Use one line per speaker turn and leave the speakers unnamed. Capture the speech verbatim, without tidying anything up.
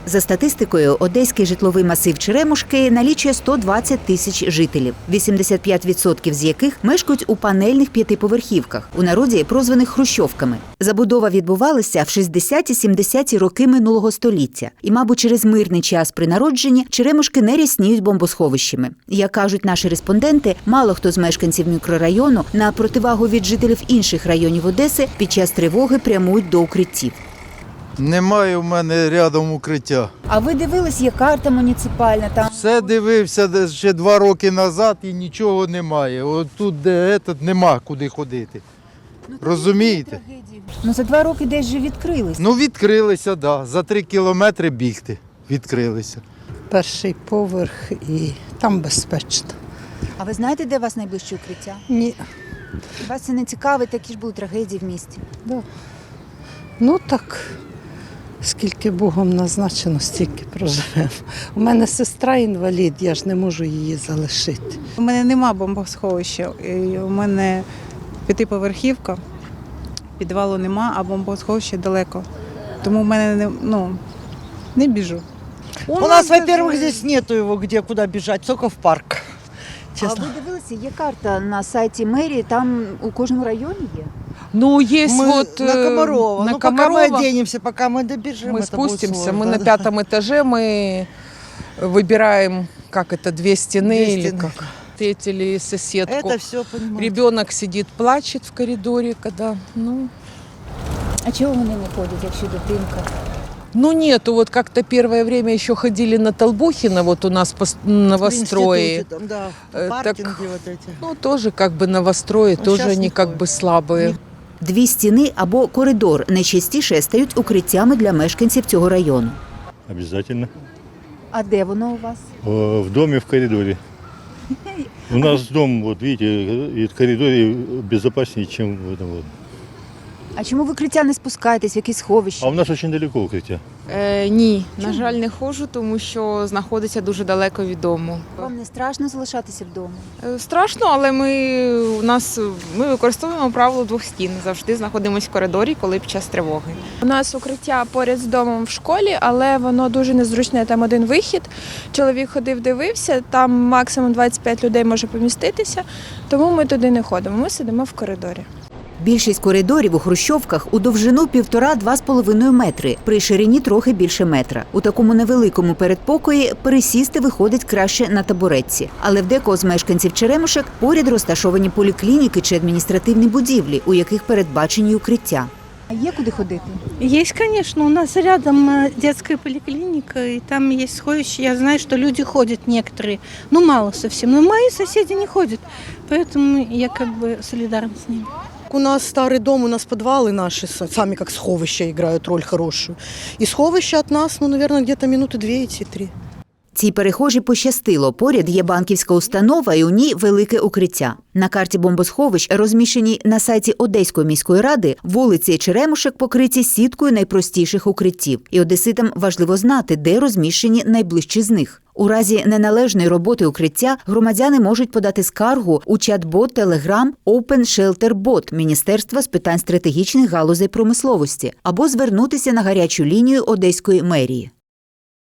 За статистикою, одеський житловий масив Черемушки налічує сто двадцять тисяч жителів, вісімдесят п'ять відсотків з яких мешкають у панельних п'ятиповерхівках, у народі прозваних хрущовками. Забудова відбувалася в шістдесяті-сімдесяті роки минулого століття. І, мабуть, через мирний час при народженні Черемушки не рясніють бомбосховищами. Як кажуть наші респонденти, мало хто з мешканців мікрорайону на противагу від жителів інших районів Одеси під час тривоги прямують до укриттів.
Немає в мене рядом укриття.
А ви дивились, є карта муніципальна там?
Все дивився ще два роки назад і нічого немає. От тут, де этот, нема куди ходити.
Ну,
розумієте?
Ну за два роки десь же відкрились.
Ну відкрилися, да. За три кілометри бігти відкрилися.
Перший поверх і там безпечно.
А ви знаєте, де у вас найближче укриття?
Ні.
Вас це не цікавить, такі ж були трагедії в місті.
Да. Ну так, скільки Богом назначено, стільки проживемо. У мене сестра інвалід, я ж не можу її залишити.
У мене нема бомбосховища, і у мене п'ятиповерхівка, підвалу нема, а бомбосховище далеко. Тому в мене не, ну, не біжу.
У, У нас, во-первых, здесь нету его, где куда бежать, только в парк. Честно.
А ви дивилися, є карта на сайті мерії, там у кожному районі є?
Ну, есть
Мы
вот
на Комарова.
на
ну,
Комарова.
пока мы оденемся, пока мы добежим,
Мы
это
спустимся,
будет сложно,
мы на
да.
пятом этаже, мы выбираем, как это, две стены
Две
или
стены.
как. Встретили соседку.
Это все понимаю.
Ребенок сидит, плачет в коридоре, когда, ну...
А чого вони не ходять, якщо дитинка?
Ну нету, вот как-то первое время еще ходили на Толбухина, вот у нас по новострое.
В институте там, да,
Э,
паркинги
так,
вот эти.
Ну тоже как бы новострое,
Ну,
тоже
щас
они
не
как
ходят.
бы слабые.
Дві стіни або коридор найчастіше стають укриттями для мешканців цього району.
Обязательно.
А де воно у вас?
Э, В доме, в коридоре. У нас дом, вот видите, и в коридоре безопаснее, чем в этом вот.
А чому в укриття не спускаєтесь, в якісь сховища?
А у нас очень далеко укриття.
Е, ні, на жаль, не ходжу, тому що знаходиться дуже далеко від дому.
Вам не страшно залишатися вдома?
Е, страшно, але ми у нас ми використовуємо правило двох стін. Завжди знаходимося в коридорі, коли під час тривоги.
У нас укриття поряд з домом в школі, але воно дуже незручне, там один вихід. Чоловік ходив, дивився, там максимум двадцять п'ять людей може поміститися, тому ми туди не ходимо, ми сидимо в коридорі.
Більшість коридорів у хрущовках у довжину півтора-два з половиною метри, при ширині трохи більше метра. У такому невеликому передпокої пересісти виходить краще на табуретці. Але в декого з мешканців Черемушек поряд розташовані поліклініки чи адміністративні будівлі, у яких передбачені укриття. А є куди ходити?
Есть, конечно, у нас рядом э, детская поликлиника, и там есть сховище. Я знаю, что люди ходят некоторые, ну мало совсем, но мои соседи не ходят, поэтому я как бы солидарна с ними.
У нас старый дом, у нас подвалы наши сами как сховища играют роль хорошую. И сховище от нас, ну, наверное, где-то минуты две идти, три.
Цій перехожій пощастило. Поряд є банківська установа і у ній велике укриття. На карті бомбосховищ, розміщеній на сайті Одеської міської ради, вулиці Черемушек покриті сіткою найпростіших укриттів. І одеситам важливо знати, де розміщені найближчі з них. У разі неналежної роботи укриття громадяни можуть подати скаргу у чат-бот Telegram Open Shelter Bot Міністерства з питань стратегічних галузей промисловості або звернутися на гарячу лінію Одеської мерії.